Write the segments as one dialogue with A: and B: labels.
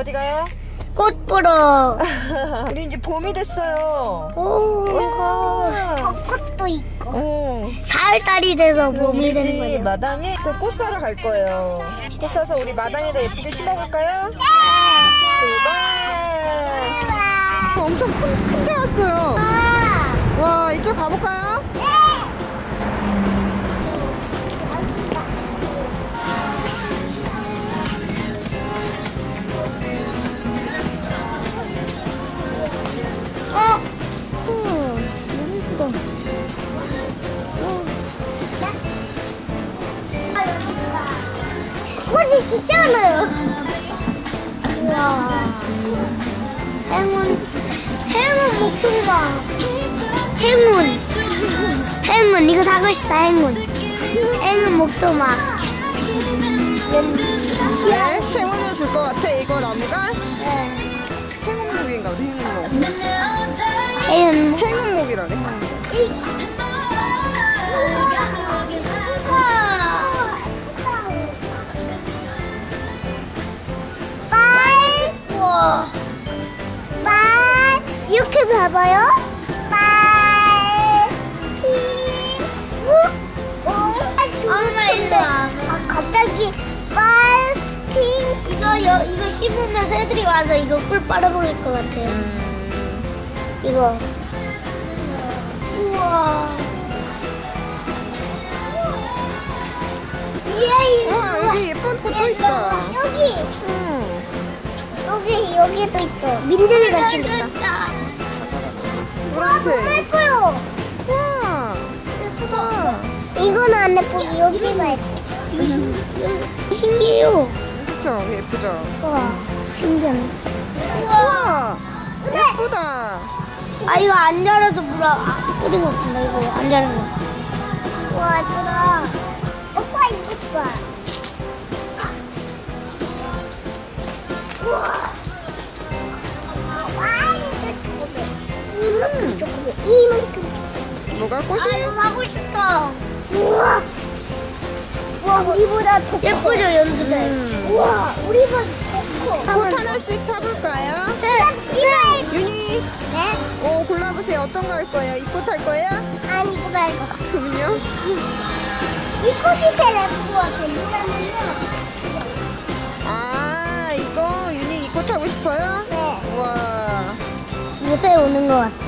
A: 어디 가요?
B: 꽃 보러.
A: 우리 이제 봄이 됐어요.
B: 오, 벚꽃도 있고. 4월달이 돼서 봄이 되는 거예요.
A: 마당에 또 꽃 사러 갈 거예요. 꽃 사서 우리 마당에다 예쁘게 심어볼까요?
B: 네.
A: 출발! 엄청 큰데 왔어요. 와, 이쪽 가볼까요?
B: 꽃이 진짜 많아요. 우와. 행운 목숨과 행운 이거 사고 싶다. 행운 목도막.
A: 네, 행운을 줄 것 같아. 이거 나무가
B: 네.
A: 행운목인가 보다. 행운목이라네.
B: 빨 이렇게 봐봐요. 엄마 일로 와. 갑자기 이거 씹으면 새들이 와서 이거 꿀 빨아먹을 것 같아요. 이거. 우와.
A: 여기 예쁜 꽃도 있다.
B: 여기도 있어. 민들레 같이 생겼다.
A: 노란색.
B: 너무 예뻐요.
A: 와, 예쁘다.
B: 이거는 안 예쁘고 여기만 예뻐. 신기해요.
A: 그쵸? 예쁘죠?
B: 우와, 신기하네.
A: 우와, 예쁘다.
B: 아, 이거 안 자라도 뿌린 것 같은데. 이거 안 자란 거. 우와, 예쁘다. 오빠 이거 봐. 우와. 이만큼.
A: 뭐가 꽃이?
B: 이거 사고 싶다. 우와. 우와, 우리보다 더 예쁘죠, 연두색. 우와, 우리보다 더 커.
A: 꽃 하나씩 사볼까요?
B: 이거.
A: 윤희,
B: 네?
A: 골라보세요. 어떤 거 할 거예요? 이 꽃 할 거예요?
B: 아니, 이거 말고.
A: 그럼요.
B: 이 꽃이 제일 예쁜 것 같아. 왜냐면요.
A: 아, 이거 윤희 이 꽃 하고 싶어요?
B: 네.
A: 우와.
B: 요새 오는 것 같아.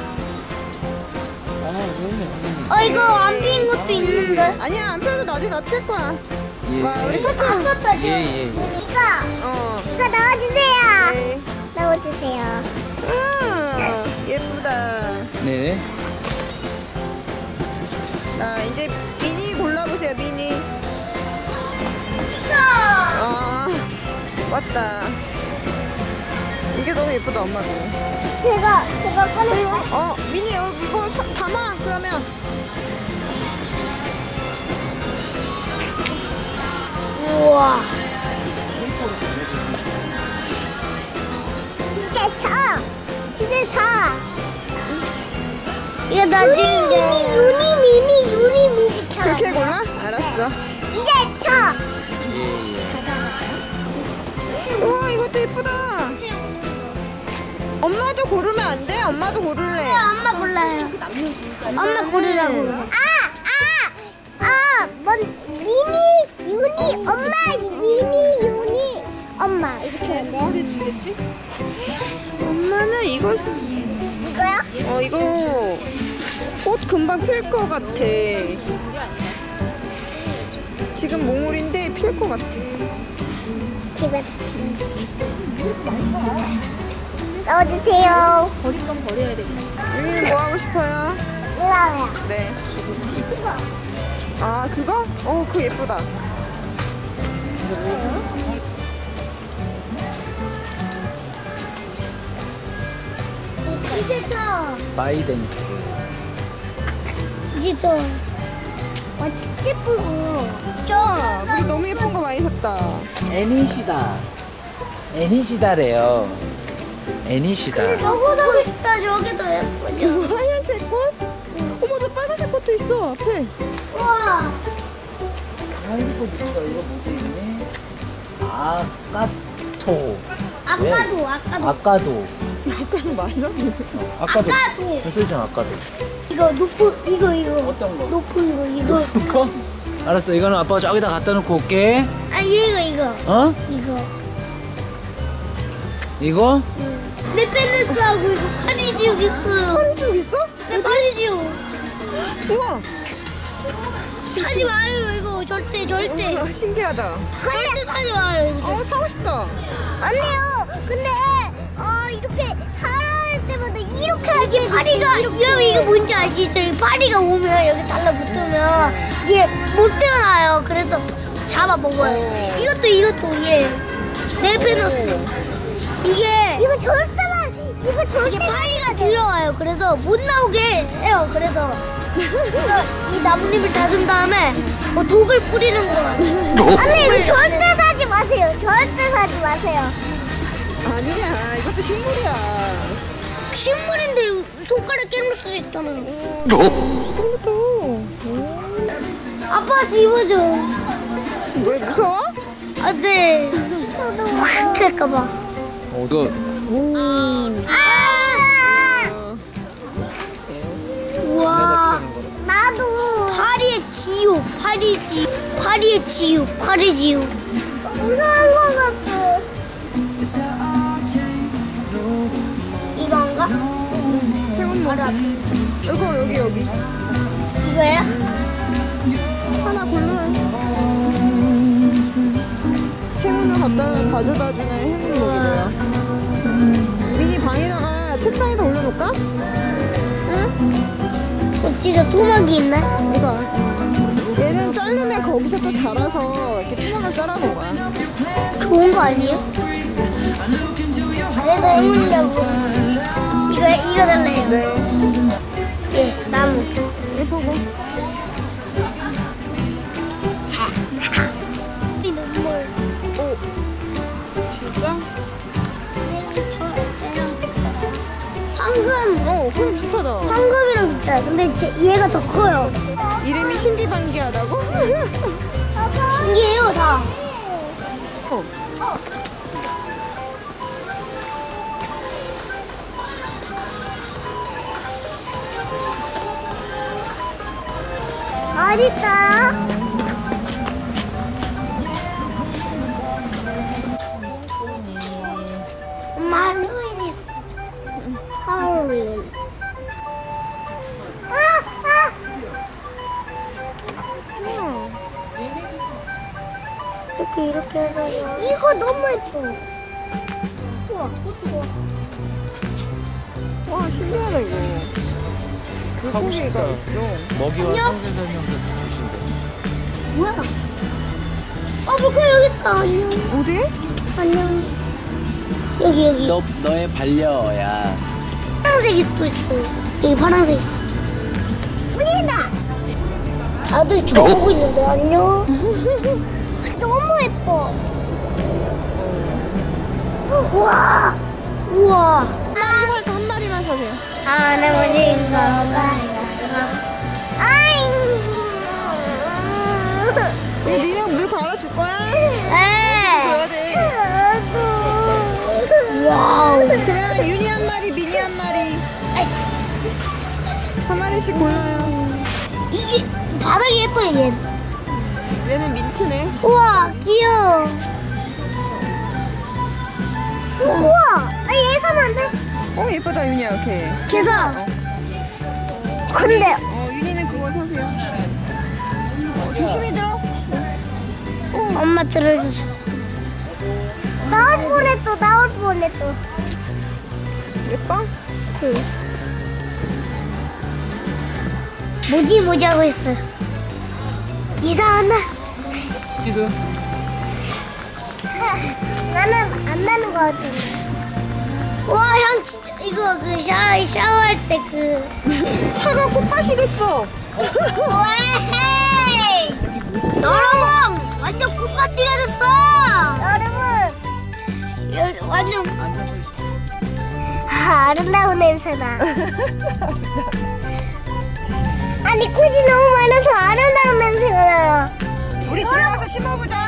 B: 이거 안 피는 것도 있는데.
A: 아니야, 안 펴도 나중에 다 필 거야.
C: 예.
A: 와, 우리
B: 이거
A: 카트.
B: 안 폈다죠?
C: 예.
B: 이거 넣어주세요.
A: 네.
B: 넣어주세요.
A: 아, 예쁘다.
C: 네.
A: 자, 이제 미니 골라보세요, 미니.
B: 이거.
A: 왔다. 이게 너무 예쁘다, 엄마도.
B: 제가 꺼내.
A: 이거, 미니, 이거 담아, 그러면.
B: 우와. 이제 차. 이거 나중에. 유니 차.
A: 그렇게 골라? 알았어.
B: 이제 차.
A: 우와, 이것도 예쁘다. 엄마도 고르면 안 돼? 엄마도 고를래.
B: 엄마 골라요. 엄마 고르라고. 미니, 유니, 엄마, 미니, 유니, 엄마 이렇게 하는데요?
A: 그치. 엄마는 이거.
B: 이거요?
A: 이거 꽃 금방 필 것 같아. 지금 몽울인데 필 것 같아.
B: 집에서. 넣어주세요.
A: 버릴 건 버려야 되겠다. 여기는 뭐 하고 싶어요?
B: 이거요.
A: 네. 아, 그거? 그거 예쁘다.
B: 이제 저.
C: 바이든스.
B: 이제 저. 와, 진짜 예쁘고.
A: 우리 너무 예쁜 거 많이 샀다.
C: 애니시다래요. 애니시다.
B: 저거도 있다. 저기도 예쁘죠?
A: 하얀색 꽃? 어머, 저 빨간색 꽃도 있어, 앞에.
B: 우와.
C: 아이고, 이거 뭐지? 아까토.
B: 아까도.
C: 아까도.
A: 약간 맞아?
C: 아까도.
B: 아까도.
C: 소리잖아, 아까도.
B: 이거 이거.
C: 어떤 거?
B: 높은 거 이거.
C: 그거? 알았어, 이거는 아빠가 저기다 갖다 놓고 올게.
B: 아 이거.
C: 어?
B: 이거.
C: 이거?
B: 내 펜스하고 이거 파리지옥 있어요.
A: 파리지옥 있어?
B: 내 파리지옥.
A: 우와.
B: 사지 마요 이거 절대.
A: 우와, 신기하다.
B: 절대 사지 마요 이거.
A: 사고 싶다.
B: 아니요. 근데 이렇게 살아날 때마다 이렇게 이게 파리가 이러면 이게 뭔지 아시죠? 이 파리가 오면 여기 달라붙으면 이게 못 태어나요. 그래서 잡아 먹어요. 이것도 얘. 내 페너스. 이거 절대 파리가 들어와요. 그래서 못 나오게 해요. 그래서 이 나뭇잎을 닫은 다음에 독을 뿌리는 거예요. 아니 이거 절대 사지 마세요. 절대 사지 마세요.
A: 아니야, 이것도 식물이야.
B: 식물인데 손가락 깨물 수도 있잖아요.
A: 처음부터.
B: 아빠 집어줘.
A: 왜 무서워?
B: 안 돼. 확 할까봐.
C: 이거.
B: 우와. 나도. 파리의 지옥. 무서운 거 같아. 이건가?
A: 행운
B: 알아.
A: 이거 여기.
B: 이거야?
A: 하나 골라. 행운을 가져다주는 행운목이래요. 미니 방에다가 책상에다 올려놓을까? 응?
B: 진짜 토막이 있네.
A: 이거. 얘는 자르면 거기서 또 자라서 이렇게 토막을 자라는 거야.
B: 좋은 거 아니에요? 그래서 행운이라고. 이거 달래요.
A: 네.
B: 예, 나무.
A: 예쁘고.
B: 이 눈물.
A: 오. 진짜?
B: 황금.
A: 그럼 비슷하다.
B: 황금이랑 비슷해. 근데 얘가 더 커요.
A: 이름이 신기반기하다고?
B: 신기해요, 다. 어딨어요? 엄마 할로윈 있어. 할로윈. 이렇게 해서 이거 너무 예뻐. 우와.
A: 와, 신기하다, 이거. 물고기가 있어.
C: 먹이와
B: 안녕?
C: 생생설명서 주신대.
B: 뭐야? 물고기 여기 있다. 안녕.
A: 어디?
B: 안녕. 여기.
C: 너의 반려야.
B: 파란색이 또 있어. 여기 파란색 있어. 우리다. 다들 저 보고 있는데 안녕. 너무 예뻐. 우와.
A: 한 마리만 사세요.
B: 할아버지인 거 봐요.
A: 니네 물 갈아줄 거야?
B: 네.
A: 줘야 돼.
B: 와우.
A: 그러면 윤이 한 마리, 미니 한 마리.
B: 아이씨.
A: 한 마리씩 골라요.
B: 이게 바닥이 예뻐요, 얘.
A: 얘는 민트네.
B: 우와, 귀여워. 우와, 얘 사면 안 돼?
A: 예쁘다, 윤이야, 이렇게.
B: 그래서. 근데.
A: 윤이는 그거 사세요. 조심히 들어.
B: 엄마 들어줬어. 나올 뻔했어.
A: 예뻐?
B: 뭐지 하고 있어요. 이상하나?
C: 지금
B: 나는 안 나는 것 같아. 와, 향 진짜 이거 샤워할 때
A: 차가 꽃밭이 됐어.
B: 왜? 여러분, 완전 꽃밭이가 됐어. 여러분, 완전 아름다운 냄새나. 아니 꽃이 너무 많아서 아름다운 냄새가 나요.
A: 우리 집에 가서 심어보자.